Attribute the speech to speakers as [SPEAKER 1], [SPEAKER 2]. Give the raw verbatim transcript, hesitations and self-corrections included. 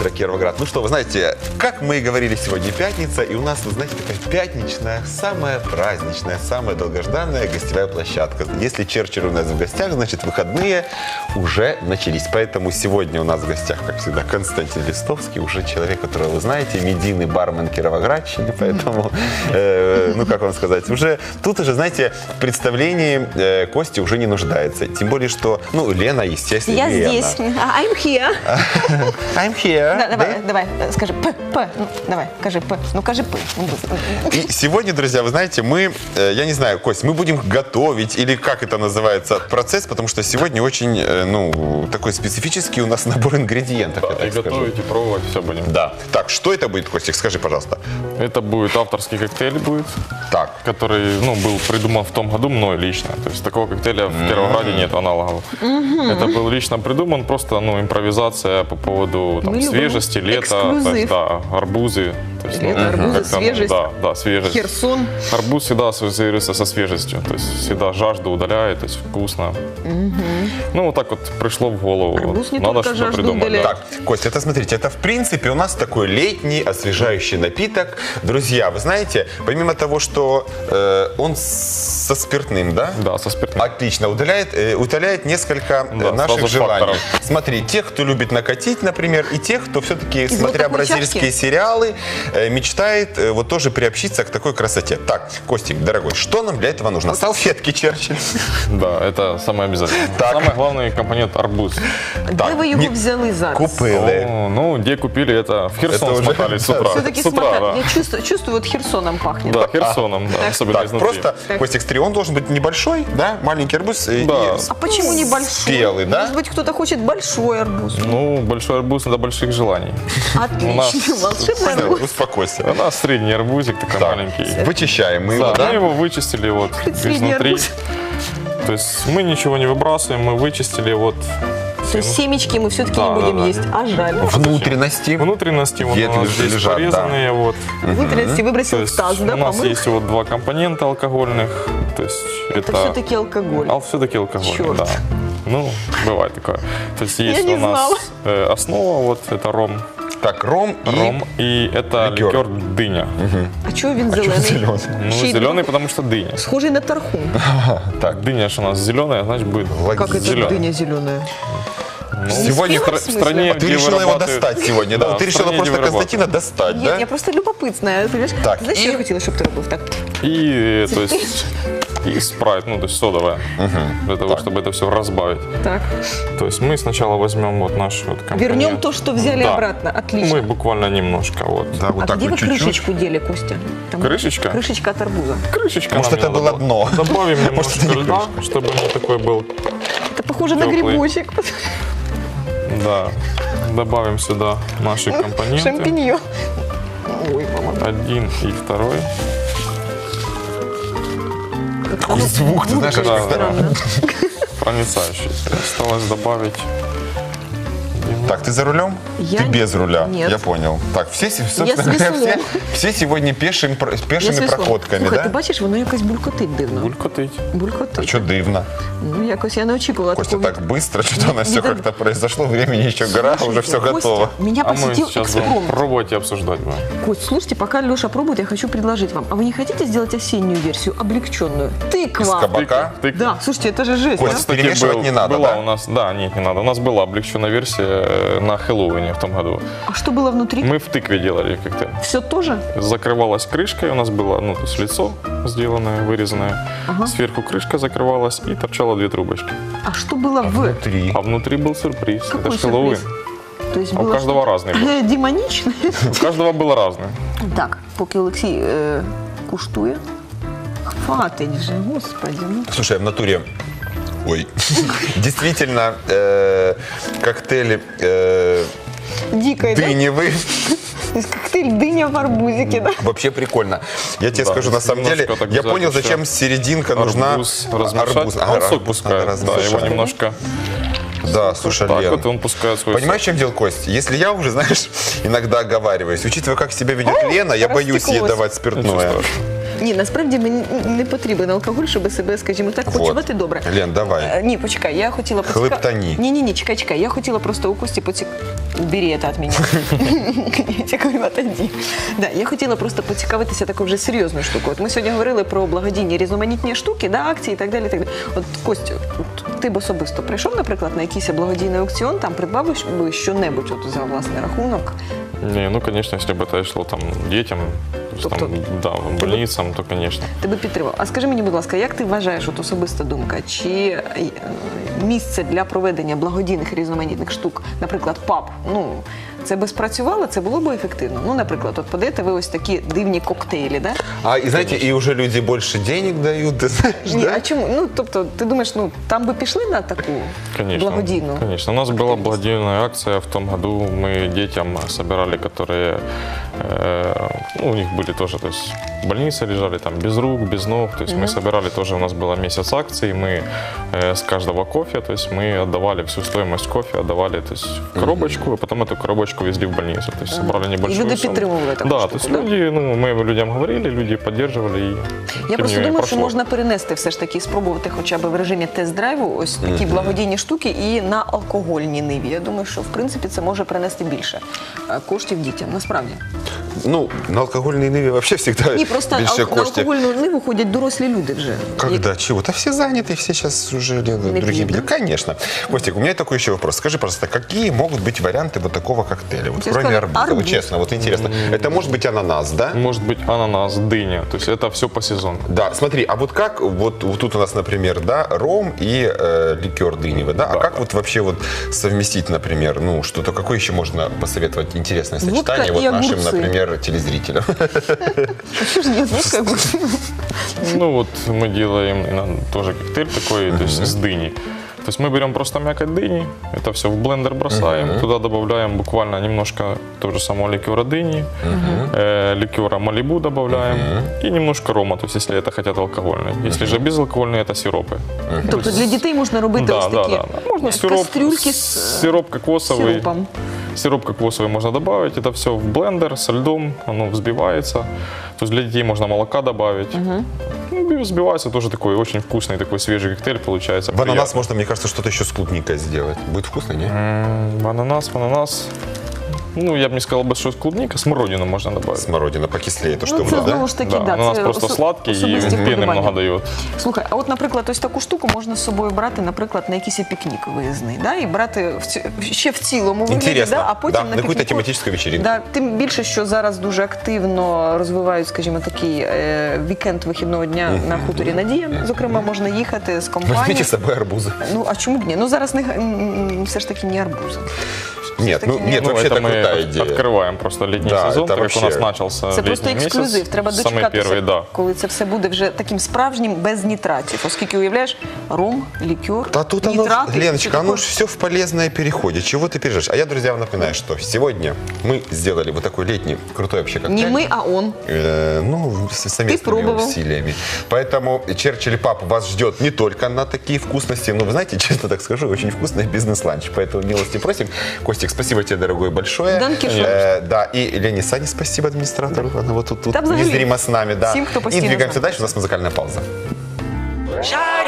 [SPEAKER 1] утро, Кировоград. Ну что, вы знаете, как мы и говорили, сегодня пятница, и у нас, вы знаете, такая пятничная, самая праздничная, самая долгожданная гостевая площадка. Если Черчилль у нас в гостях, значит, выходные уже начались. Поэтому сегодня у нас в гостях, как всегда, Константин Листовский, уже человек, которого вы знаете, медийный бармен Кировоградщины, поэтому, э, ну как вам сказать, уже тут уже, знаете, в представлении э, Кости уже не нуждается. Тем более, что, ну, Лена, естественно,
[SPEAKER 2] Я
[SPEAKER 1] Лена.
[SPEAKER 2] здесь. I'm here.
[SPEAKER 1] I'm here.
[SPEAKER 2] Да, давай,
[SPEAKER 1] Да?
[SPEAKER 2] давай, скажи П, П. Ну, давай, скажи П. Ну, скажи П.
[SPEAKER 1] И сегодня, друзья, вы знаете, мы, э, я не знаю, Кость, мы будем готовить, или как это называется, процесс, потому что сегодня очень, э, ну, такой специфический у нас набор ингредиентов, я
[SPEAKER 3] Да, и
[SPEAKER 1] так скажу.
[SPEAKER 3] готовить, и пробовать все будем.
[SPEAKER 1] Да. Так, что это будет, Костик, скажи, пожалуйста.
[SPEAKER 3] Это будет авторский коктейль будет,
[SPEAKER 1] Так.
[SPEAKER 3] который, ну, был придуман в том году мной лично. То есть такого коктейля в Кировограде нет аналогов. Это был лично придуман, просто, ну, импровизация по поводу там,
[SPEAKER 2] Мы любим
[SPEAKER 3] свежести, лета,
[SPEAKER 2] эксклюзив.
[SPEAKER 3] то есть, да, арбузы. То есть,
[SPEAKER 2] Лето,
[SPEAKER 3] ну,
[SPEAKER 2] арбузы,
[SPEAKER 3] как-то, ну,
[SPEAKER 2] свежесть.
[SPEAKER 3] да, да, свежесть.
[SPEAKER 2] Херсон.
[SPEAKER 3] Арбуз всегда ассоциируется со свежестью, то есть всегда жажду удаляет, то есть вкусно. Ну, вот так вот пришло в голову.
[SPEAKER 2] Арбуз не
[SPEAKER 3] Надо
[SPEAKER 2] только
[SPEAKER 3] что-то
[SPEAKER 2] жажду
[SPEAKER 3] придумать.
[SPEAKER 2] удаляет.
[SPEAKER 3] Да.
[SPEAKER 1] Так, Костя, это, смотрите, это, в принципе, у нас такой летний освежающий напиток. Друзья, вы знаете, помимо того, что э, он со спиртным, да?
[SPEAKER 3] Да, со спиртным.
[SPEAKER 1] Отлично, удаляет, э, утоляет несколько э,
[SPEAKER 3] Да,
[SPEAKER 1] наших
[SPEAKER 3] сразу
[SPEAKER 1] желаний.
[SPEAKER 3] факторов.
[SPEAKER 1] Смотри, тех, кто любит накатить, например, и тех, кто все-таки,
[SPEAKER 2] Из
[SPEAKER 1] смотря
[SPEAKER 2] вот такой
[SPEAKER 1] бразильские
[SPEAKER 2] чашки?
[SPEAKER 1] сериалы, э, мечтает э, вот тоже приобщиться к такой красоте. Так, Костик, дорогой, что нам для этого нужно? Салфетки, Черчилль.
[SPEAKER 3] Да, это самое обязательное.
[SPEAKER 1] Так.
[SPEAKER 3] Самый главный компонент арбуз.
[SPEAKER 2] Де ви його
[SPEAKER 1] не-
[SPEAKER 2] взяли зараз?
[SPEAKER 1] Купили.
[SPEAKER 3] О, ну, где купили это? В Херсон
[SPEAKER 1] Это уже-
[SPEAKER 3] смотали с утра.
[SPEAKER 2] Все-таки
[SPEAKER 3] С утра,
[SPEAKER 2] смотри,
[SPEAKER 3] да.
[SPEAKER 2] я чувствую, чувствую, вот Херсоном пахнет.
[SPEAKER 3] Да, Херсоном, да, особенно
[SPEAKER 1] Так,
[SPEAKER 3] изнутри.
[SPEAKER 1] просто, Костик, смотри, он должен быть небольшой, да, маленький арбуз э,
[SPEAKER 3] Да.
[SPEAKER 1] и
[SPEAKER 2] А почему не большой?
[SPEAKER 1] спелый, да?
[SPEAKER 2] Может быть, кто-то хочет большой арбуз.
[SPEAKER 3] Ну, большой арбуз до больших желаний.
[SPEAKER 2] Отлично.
[SPEAKER 3] нас-
[SPEAKER 2] Волшебный
[SPEAKER 1] Всё,
[SPEAKER 2] арбуз.
[SPEAKER 1] успокойся.
[SPEAKER 3] У нас средний арбузик такой
[SPEAKER 1] Так,
[SPEAKER 3] маленький.
[SPEAKER 1] вычищаем мы
[SPEAKER 3] Да,
[SPEAKER 1] его,
[SPEAKER 3] мы
[SPEAKER 1] да?
[SPEAKER 3] его вычистили вот
[SPEAKER 2] Средний
[SPEAKER 3] изнутри.
[SPEAKER 2] арбуз.
[SPEAKER 3] То есть мы ничего не выбрасываем, мы вычистили вот
[SPEAKER 2] То есть семечки мы все-таки
[SPEAKER 3] Да,
[SPEAKER 2] не будем
[SPEAKER 3] да, да.
[SPEAKER 2] есть, а жаль.
[SPEAKER 1] Внутренности.
[SPEAKER 3] внутренности. Вот у
[SPEAKER 1] Ветви
[SPEAKER 3] нас здесь
[SPEAKER 1] лежат,
[SPEAKER 3] порезанные. Вот.
[SPEAKER 2] Внутренности
[SPEAKER 3] То
[SPEAKER 2] выбросил в
[SPEAKER 3] есть
[SPEAKER 2] таз, да,
[SPEAKER 3] у нас
[SPEAKER 2] помыл?
[SPEAKER 3] есть вот два компонента алкогольных. То есть
[SPEAKER 2] Это
[SPEAKER 3] это,
[SPEAKER 2] все-таки алкоголь.
[SPEAKER 3] А все-таки алкоголь,
[SPEAKER 2] Чёрт.
[SPEAKER 3] да. Ну, бывает такое. То есть есть
[SPEAKER 2] не
[SPEAKER 3] у нас
[SPEAKER 2] знала.
[SPEAKER 3] э, основа, вот это ром,
[SPEAKER 1] Так, ром и...
[SPEAKER 3] ром, и это
[SPEAKER 1] ликер.
[SPEAKER 3] ликер, дыня.
[SPEAKER 2] А чого він
[SPEAKER 1] Чё
[SPEAKER 2] зелений?
[SPEAKER 1] зелёный?
[SPEAKER 3] Ну,
[SPEAKER 2] Ще й
[SPEAKER 3] зеленый, потому что дыня.
[SPEAKER 2] Схожий на тархун.
[SPEAKER 1] Так,
[SPEAKER 3] Дыня же у нас зеленая, значит будет
[SPEAKER 2] Как это
[SPEAKER 3] зелёная.
[SPEAKER 2] дыня зеленая?
[SPEAKER 3] Ну,
[SPEAKER 1] Сегодня
[SPEAKER 3] в,
[SPEAKER 2] в
[SPEAKER 3] стра- в
[SPEAKER 2] смысле?
[SPEAKER 3] стране,
[SPEAKER 1] А ты
[SPEAKER 3] где
[SPEAKER 1] решила его
[SPEAKER 3] вырабатывают-
[SPEAKER 1] достать сегодня, да?
[SPEAKER 3] Да,
[SPEAKER 1] Вот ты
[SPEAKER 3] в
[SPEAKER 1] решила
[SPEAKER 3] стране,
[SPEAKER 1] просто
[SPEAKER 3] где
[SPEAKER 1] Константина достать,
[SPEAKER 2] Нет,
[SPEAKER 1] да?
[SPEAKER 2] я просто любопытная, понимаешь?
[SPEAKER 1] Так,
[SPEAKER 2] Знаешь,
[SPEAKER 1] и-
[SPEAKER 2] что я хотела, чтобы ты робив так?
[SPEAKER 3] И, то есть, и спрайт, ну, то есть содовая, для того, чтобы это все разбавить.
[SPEAKER 2] Так.
[SPEAKER 3] То есть мы сначала возьмем вот наш вот компонент.
[SPEAKER 2] Вернем то, что взяли
[SPEAKER 3] Да.
[SPEAKER 2] обратно. Отлично.
[SPEAKER 3] Мы буквально немножко вот.
[SPEAKER 1] Да, вот
[SPEAKER 2] А
[SPEAKER 1] так
[SPEAKER 2] где вы
[SPEAKER 1] вот чуть-чуть.
[SPEAKER 2] крышечку дели, Костя? Там
[SPEAKER 3] Крышечка?
[SPEAKER 2] Крышечка от арбуза.
[SPEAKER 3] Крышечка.
[SPEAKER 1] Может,
[SPEAKER 3] нам
[SPEAKER 1] это
[SPEAKER 3] не
[SPEAKER 1] было
[SPEAKER 3] надо
[SPEAKER 1] дно.
[SPEAKER 3] Добавим
[SPEAKER 1] Может,
[SPEAKER 3] немножко
[SPEAKER 1] это не
[SPEAKER 3] льда, чтобы не такой был,
[SPEAKER 2] Это похоже на
[SPEAKER 3] Теплый.
[SPEAKER 2] грибочек.
[SPEAKER 3] да. Добавим сюда наши компоненты.
[SPEAKER 2] Шампиньон. Ой, мама.
[SPEAKER 1] Ну,
[SPEAKER 3] Один и второй.
[SPEAKER 1] Какой звук, ты знаешь, аж
[SPEAKER 3] Да,
[SPEAKER 1] как-то-
[SPEAKER 2] Странно.
[SPEAKER 3] Проницающий. Осталось добавить.
[SPEAKER 1] Так, ты за рулем?
[SPEAKER 2] Я
[SPEAKER 1] Ты
[SPEAKER 2] не-
[SPEAKER 1] без руля.
[SPEAKER 2] Нет.
[SPEAKER 1] Я понял. Так, все, се-
[SPEAKER 2] Я
[SPEAKER 1] собственно
[SPEAKER 2] с
[SPEAKER 1] говоря, все,
[SPEAKER 2] веслом.
[SPEAKER 1] все сегодня пешим, про-
[SPEAKER 2] Я
[SPEAKER 1] пешими
[SPEAKER 2] свісло.
[SPEAKER 1] проходками,
[SPEAKER 2] Слухай, ти
[SPEAKER 1] да?
[SPEAKER 2] бачиш, воно якось булькотить дивно.
[SPEAKER 3] Булькотить.
[SPEAKER 2] Булькотить.
[SPEAKER 1] Что дивно?
[SPEAKER 2] Ну, якось я не очікувала
[SPEAKER 1] Костя,
[SPEAKER 2] такого.
[SPEAKER 1] так быстро, что-то у нас все
[SPEAKER 2] не так-
[SPEAKER 1] как-то произошло, времени еще гора, уже все
[SPEAKER 2] Костя,
[SPEAKER 1] готово.
[SPEAKER 2] Меня
[SPEAKER 3] А мы
[SPEAKER 2] посетил
[SPEAKER 3] сейчас будем
[SPEAKER 2] экспромт.
[SPEAKER 3] пробовать и обсуждать будем.
[SPEAKER 2] Кость, слушайте, пока Леша пробует, я хочу предложить вам. А вы не хотите сделать осеннюю версию, облегченную?
[SPEAKER 1] Из
[SPEAKER 2] Тыква.
[SPEAKER 1] кабака?
[SPEAKER 3] Тык-
[SPEAKER 2] Да, слушайте, это же жесть.
[SPEAKER 1] Кость,
[SPEAKER 2] а?
[SPEAKER 3] Кстати,
[SPEAKER 1] перемешивать
[SPEAKER 3] был-
[SPEAKER 1] не надо,
[SPEAKER 3] была
[SPEAKER 1] да?
[SPEAKER 3] у нас, да, нет, не надо. У нас была облегченная версия э, на Хэллоуине в том году.
[SPEAKER 2] А что было внутри?
[SPEAKER 3] Мы в тыкве делали коктейль.
[SPEAKER 2] Все тоже?
[SPEAKER 3] Закрывалась крышкой, у нас было, ну, то есть лицо сделанное, вырезанное.
[SPEAKER 2] Ага.
[SPEAKER 3] Сверху крышка закрывалась и торчало две трубочки.
[SPEAKER 2] А что было в?
[SPEAKER 1] Внутри.
[SPEAKER 3] А внутри был сюрприз.
[SPEAKER 2] Какой
[SPEAKER 3] Это ж Хэллоуин.
[SPEAKER 2] сюрприз? То есть
[SPEAKER 3] А у
[SPEAKER 2] было
[SPEAKER 3] каждого
[SPEAKER 2] что-то
[SPEAKER 3] разный был.
[SPEAKER 2] демоничне?
[SPEAKER 3] У каждого было разное.
[SPEAKER 2] Так, поки Олексій е, куштує. Хватить же, господи. Ну.
[SPEAKER 1] Слушай, в натуре, ой, действительно, э, коктейли э,
[SPEAKER 2] Дикая, да?
[SPEAKER 1] дыневый.
[SPEAKER 2] То есть коктейль дыня в арбузике, да?
[SPEAKER 1] Вообще прикольно. Я тебе
[SPEAKER 3] Да,
[SPEAKER 1] скажу, на самом деле,
[SPEAKER 3] немножко так
[SPEAKER 1] я
[SPEAKER 3] взять
[SPEAKER 1] понял,
[SPEAKER 3] еще
[SPEAKER 1] зачем серединка нужна.
[SPEAKER 3] Арбуз размешать.
[SPEAKER 1] Арбуз.
[SPEAKER 3] А
[SPEAKER 1] Ага,
[SPEAKER 3] он сок
[SPEAKER 1] арбуз
[SPEAKER 3] пускает.
[SPEAKER 1] надо
[SPEAKER 3] Да, его
[SPEAKER 1] размешать.
[SPEAKER 3] немножко.
[SPEAKER 1] Да, слушай,
[SPEAKER 3] Так
[SPEAKER 1] Лен,
[SPEAKER 3] вот он пускает свой
[SPEAKER 1] понимаешь, в чем дело, Кость? Если я уже, знаешь, иногда оговариваюсь, учитывая, как себя ведет Лена, я боюсь ей
[SPEAKER 2] растеклось.
[SPEAKER 1] давать
[SPEAKER 3] сок. Ничего
[SPEAKER 1] спиртное.
[SPEAKER 3] страшного.
[SPEAKER 2] Ні, насправді мені не потрібен алкоголь, щоб себе, скажімо так,
[SPEAKER 1] Вот.
[SPEAKER 2] почувати добре.
[SPEAKER 1] Лен, давай.
[SPEAKER 2] Е, Ні, почекай, я хотіла
[SPEAKER 1] Хлептані.
[SPEAKER 2] Ні, ні, ні, чекай, чекай. Я хотіла просто у Кості поцік... убери это от меня. Я говорю, отойди. Да, я хотіла просто поцікавитися такою вже серйозною штукою. От ми сьогодні говорили про благодійні різноманітні штуки, да, акції і так далі. Так далі. От, Костю, от ти б особисто прийшов, наприклад, на якийсь благодійний аукціон, там придбав би що-небудь от за власний рахунок?
[SPEAKER 3] Не, ну, конечно, если бы это шло там детям, то есть, там,
[SPEAKER 2] Тобто-
[SPEAKER 3] да, больницам, то, конечно.
[SPEAKER 2] Ти би підтримав. А скажи мені, будь ласка, як ти вважаєш, от особиста думка, чи е, місце для проведення благодійних різноманітних штук, наприклад, паб, ну, це би спрацювало, це було б ефективно? Ну, наприклад, от подаєте ви ось такі дивні коктейлі, да?
[SPEAKER 1] А, и знаете, и уже люди больше денег дают, ты знаешь,
[SPEAKER 2] Ні,
[SPEAKER 1] да?
[SPEAKER 2] а чому? Ну, тобто, ти думаєш, ну, там би пішли на таку
[SPEAKER 3] Конечно,
[SPEAKER 2] благодійну?
[SPEAKER 3] конечно. У нас была благодійная акция в том году. Мы детям собирали, которые, э, ну, у них были тоже, то есть в больнице лежали там без рук, без ног. То есть мы собирали тоже, у нас было месяц акций. Мы э, с каждого кофе, то есть мы отдавали всю стоимость кофе, отдавали, то есть в коробочку, а потом эту коробочку везли в больницу. То есть собрали
[SPEAKER 2] І
[SPEAKER 3] небольшую
[SPEAKER 2] люди
[SPEAKER 3] сумму.
[SPEAKER 2] підтримували таку
[SPEAKER 3] Да,
[SPEAKER 2] штуку,
[SPEAKER 3] то есть
[SPEAKER 2] да?
[SPEAKER 3] люди, ну, мы людям говорили, люди поддерживали. И,
[SPEAKER 2] Я
[SPEAKER 3] тем
[SPEAKER 2] просто
[SPEAKER 3] не менее,
[SPEAKER 2] думаю, що
[SPEAKER 3] прошло.
[SPEAKER 2] можна перенести все ж таки, спробувати хоча б в режимі тест-драйву ось такі благодійні штуки і на алкогольній ниві. Я думаю, що в принципі це може принести більше е, коштів дітям, насправді.
[SPEAKER 1] Ну, на алкогольной ниве вообще всегда
[SPEAKER 2] Ні, просто
[SPEAKER 1] больше
[SPEAKER 2] ал- на
[SPEAKER 1] кошти.
[SPEAKER 2] алкогольну ниву ходять дорослі люди вже.
[SPEAKER 1] Когда? Чего? Да все заняты, все сейчас уже делают
[SPEAKER 2] Не
[SPEAKER 1] другие
[SPEAKER 2] пьют,
[SPEAKER 1] виды. Конечно. Костик, у меня такой еще вопрос. Скажи, пожалуйста, какие могут быть варианты вот такого коктейля? Вот
[SPEAKER 2] Я
[SPEAKER 1] кроме
[SPEAKER 2] сказала,
[SPEAKER 1] арбуза. Вот
[SPEAKER 2] арбуз.
[SPEAKER 1] честно, вот интересно. Это может быть ананас, да?
[SPEAKER 3] Может быть ананас, дыня. То есть это все по сезону.
[SPEAKER 1] Да, смотри, а вот как, вот, вот тут у нас, например, да, ром и э, ликер дыневый, да? А
[SPEAKER 3] Да.
[SPEAKER 1] как вот вообще вот совместить, например, ну, что-то, какое еще можно посоветовать интересное
[SPEAKER 2] Водка
[SPEAKER 1] сочетание вот
[SPEAKER 2] и
[SPEAKER 1] нашим,
[SPEAKER 2] огурцы.
[SPEAKER 1] например, телезрителям?
[SPEAKER 2] Що ж є, ну, как бы.
[SPEAKER 3] Ну вот мы делаем иногда тоже коктейль такой, то есть с дыней. То есть мы берем просто мякоть дыни, это все в блендер бросаем, туда добавляем буквально немножко того же самого ликера дыни, э, ликера малибу добавляем и немножко рома, то есть если это хотят алкогольный. Если же безалкогольный, это сиропы.
[SPEAKER 2] Тобто для дітей можна робити
[SPEAKER 3] Да,
[SPEAKER 2] ось
[SPEAKER 3] да,
[SPEAKER 2] такі
[SPEAKER 3] да. Можно сироп,
[SPEAKER 2] кастрюльки з
[SPEAKER 3] сироп кокосовый.
[SPEAKER 2] сиропом.
[SPEAKER 3] Сироп кокосовый можно добавить, это все в блендер со льдом, оно взбивается. То есть для детей можно молока добавить. Ну, и взбивается тоже такой очень вкусный, такой свежий коктейль получается.
[SPEAKER 1] В ананас
[SPEAKER 3] приятный.
[SPEAKER 1] можно, мне кажется, что-то еще с клубникой сделать. Будет вкусно, не?
[SPEAKER 3] М, В ананас, в ананас. Ну, я бы не сказал бы, что клубника, смородину можно добавить.
[SPEAKER 1] Смородина покислее, то, что
[SPEAKER 2] Ну,
[SPEAKER 1] у
[SPEAKER 2] це
[SPEAKER 1] нас, да?
[SPEAKER 2] знову ж таки,
[SPEAKER 3] Да,
[SPEAKER 2] да,
[SPEAKER 3] ананас
[SPEAKER 2] це
[SPEAKER 3] просто
[SPEAKER 2] осо-
[SPEAKER 3] сладкий и
[SPEAKER 2] особисті
[SPEAKER 3] пены
[SPEAKER 2] вподобання.
[SPEAKER 3] много дает.
[SPEAKER 2] Слухай, а от, наприклад, ось таку штуку можна з собою брати, наприклад, на якийсь пікнік виїзний, да? І брати в ці- ще в цілому вигляді,
[SPEAKER 1] Інтересно.
[SPEAKER 2] да? А потім
[SPEAKER 1] Да,
[SPEAKER 2] на
[SPEAKER 1] на якусь
[SPEAKER 2] пікніку.
[SPEAKER 1] тематичну вечірку.
[SPEAKER 2] Да, тим більше, що зараз дуже активно розвивають, скажімо, такий е, вікенд вихідного дня на хуторі Надія. Зокрема, можна їхати з компанією.
[SPEAKER 1] Возьмите с собой арбузы.
[SPEAKER 2] Ну, а чому б ні? Ну, зараз не, м, все ж таки не арбузи.
[SPEAKER 1] Нет, ну,
[SPEAKER 2] таки
[SPEAKER 1] нет,
[SPEAKER 3] Ну,
[SPEAKER 1] вообще
[SPEAKER 3] это
[SPEAKER 1] это
[SPEAKER 3] мы
[SPEAKER 1] крутая
[SPEAKER 3] от-
[SPEAKER 1] идея.
[SPEAKER 3] открываем просто летний
[SPEAKER 1] Да,
[SPEAKER 3] сезон,
[SPEAKER 1] это
[SPEAKER 3] так как у нас
[SPEAKER 1] вообще-
[SPEAKER 3] начался
[SPEAKER 2] Це просто
[SPEAKER 3] летний месяц.
[SPEAKER 2] ексклюзив. Треба
[SPEAKER 3] Самый
[SPEAKER 2] дочекатися,
[SPEAKER 3] первый, да.
[SPEAKER 2] коли це все буде вже таким справжнім без нітратів. Оскільки, уявляєш, ром, лікер,
[SPEAKER 1] Да тут оно,
[SPEAKER 2] нітрати.
[SPEAKER 1] Леночка,
[SPEAKER 2] все
[SPEAKER 1] оно
[SPEAKER 2] таке.
[SPEAKER 1] ж все в полезное переходит. Чего ты переживаешь? А я, друзья, вам напоминаю, что сегодня мы сделали вот такой летний крутой вообще коктейль.
[SPEAKER 2] Не ми, а он.
[SPEAKER 1] Э, ну, с совместными
[SPEAKER 2] пробовал.
[SPEAKER 1] усилиями. Поэтому Черчилль Пап вас ждет не только на такие вкусности, но, вы знаете, честно так скажу, очень вкусный бизнес-ланч. Поэтому милости просим. Костик, спасибо тебе, дорогой, большое.
[SPEAKER 2] Данки шо.
[SPEAKER 1] Э, да, и Лене Сане спасибо, администратору. Она вот тут, тут
[SPEAKER 2] Да, взагалі,
[SPEAKER 1] незримо с нами. Да.
[SPEAKER 2] всім, хто
[SPEAKER 1] И
[SPEAKER 2] постійно з
[SPEAKER 1] двигаемся
[SPEAKER 2] нами.
[SPEAKER 1] дальше, у нас музыкальная пауза.
[SPEAKER 4] Shine.